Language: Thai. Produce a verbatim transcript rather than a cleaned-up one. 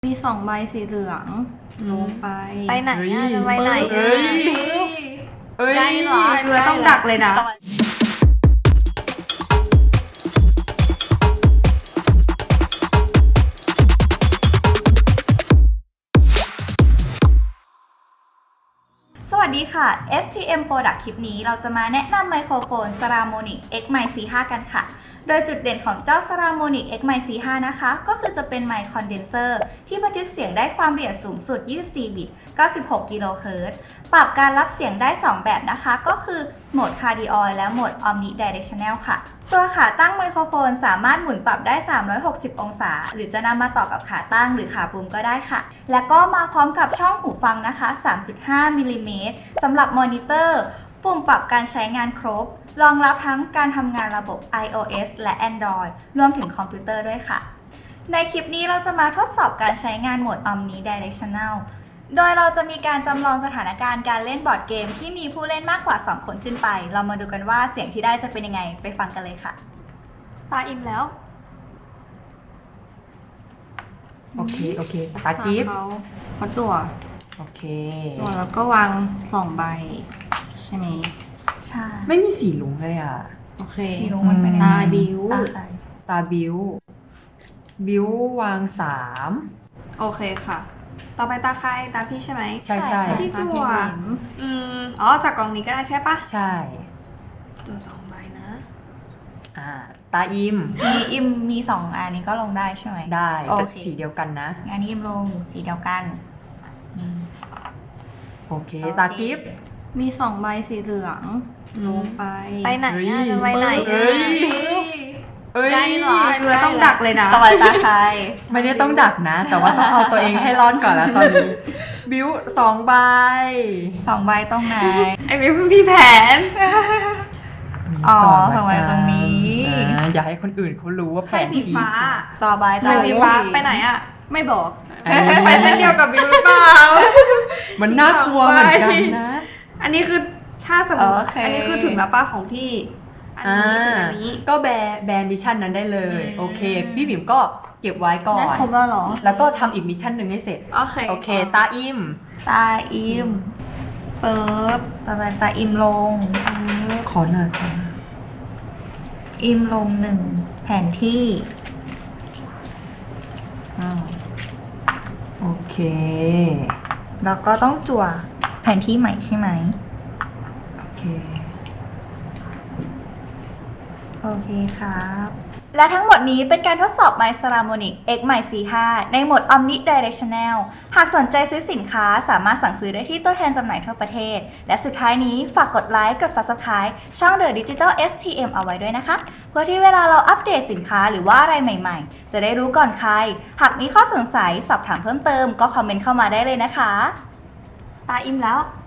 มีสองใบสีเหลืองลงไปไปไหนอะจะไปไหนเอ้ยเอ้ยใกล้เหรอดูแล้วต้องดักเลยนะสวัสดีค่ะ เอส ที เอ็ม Product คลิปนี้เราจะมาแนะนำไมโครโฟน Saramonic เอ็กซ์ ไมค์ ซี ไฟว์ กันค่ะ โดยจุดเด่นของเจ้า Saramonic เอ็กซ์ ไมค์ ซี ไฟว์ นะคะ ก็คือจะเป็นไมค์คอนเดนเซอร์ที่บันทึกเสียงได้ความละเอียดสูงสุด ยี่สิบสี่ บิต เก้าสิบหก กิโลเฮิรตซ์ ปรับการรับเสียงได้ สอง แบบนะคะ ก็คือโหมด Cardioid และโหมด Omnidirectional ค่ะ ตัวขาตั้งไมโครโฟนสามารถหมุนปรับได้ สามร้อยหกสิบ องศา หรือจะนำมาต่อกับขาตั้งหรือขาปุ่มก็ได้ค่ะ และก็มาพร้อมกับช่องหูฟังนะคะ สามจุดห้า มิลลิเมตรสำหรับมอนิเตอร์ ปุ่มปรับการใช้งานครบ รองรับทั้งการทำงานระบบ iOS และ Android รวมถึงคอมพิวเตอร์ด้วยค่ะ ในคลิปนี้เราจะมาทดสอบการใช้งานโหมด Omnidirectional โดยเราจะมีการจำลองสถานการณ์การเล่นบอร์ดเกมที่มีผู้เล่นมากกว่า สอง คนขึ้นไป เรามาดูกันว่าเสียงที่ได้จะเป็นยังไง ไปฟังกันเลยค่ะตาอิ่มแล้วโอเค โอเค ตากิฟต์เขาเขาจั่วโอเคจั่วแล้วก็วางสองใบใช่ไหมใช่ไม่มีสีลุงเลยอ่ะโอเคสีรุ้งมันเป็นยังไงตาบิวตาใครตาบิว บิววางสามโอเคค่ะ ต่อไปตาใครตาพี่ใช่ไหมใช่ใช่พี่จั่วตาพี่หลิมอืมอ๋อจากกล่องนี้ก็ได้ใช่ปะใช่ตัวสองใบนะอ่า ตาอิมมีอิมมีสองอันนี้ก็ลงได้ใช่ไหมได้โอแต่เคสีเดียวกันนะงานนี้อิมลงสีเดียวกันอืมโอเคโอเคตากิฟต์มีสองใบสีเหลืองลงไปไปไหนอะจะไปไหนเอ้ย เอ้ยใกล้เหรอดูแล้วต้องดักเลยนะต่อไปตาใครไม่ได้ต้องดักนะ แต่ว่าต้องเอาตัวเองให้รอดก่อนแล้วตอนนี้ บิวสองใบสองใบตรงไหนไอ้เพิ่งพี่แผนอ๋อก่นละสองใบตรงนี้อ่าอย่าให้คนอื่นเขารู้ว่าใคแผรนสีที่ฟ้าต่อใบใครสีฟ้าไปไหนอะไม่บอกเอ้ยไปเส้นเดียวกับบิวหรือเปล่ามันน่ากลัวเหมือนกันนะอันนี้คือถ้าสมมติอันนี้คือถึงแล้วป้าของพี่ อันนี้ถึงอันนี้ก็แบร์แบร์มิชชั่นนั้นได้เลยอืมโอเค พี่บิ๋มก็เก็บไว้ก่อได้นครบแล้วเหรอแล้วก็ทำอีกมิชชั่นหนึ่งให้เสร็จโอเคโอเค ตาอิมตาอิมเปิบต่อไปตาอิมลงขอหน่อยค่ะอิมลงหนึ่งแผนที่อ้าวโอเคแล้วก็ต้องจั่วแผนที่ใหม่ใช่ไหมโอเคโอเคครับ และทั้งหมดนี้เป็นการทดสอบ My Saramonic เอ็กซ์ ไมค์ ซี ไฟว์ ในโหมด Omnidirectional หากสนใจซื้อสินค้าสามารถสั่งซื้อได้ที่ตัวแทนจำหน่ายทั่วประเทศ และสุดท้ายนี้ฝากกดไลค์ กด Subscribe ช่อง The Digital เอส ที เอ็ม เอาไว้ด้วยนะคะ เพื่อที่เวลาเราอัปเดตสินค้าหรือว่าอะไรใหม่ๆ จะได้รู้ก่อนใคร หากมีข้อสงสัยสอบถามเพิ่มเติมก็คอมเมนต์เข้ามาได้เลยนะคะตาอิ่มแล้ว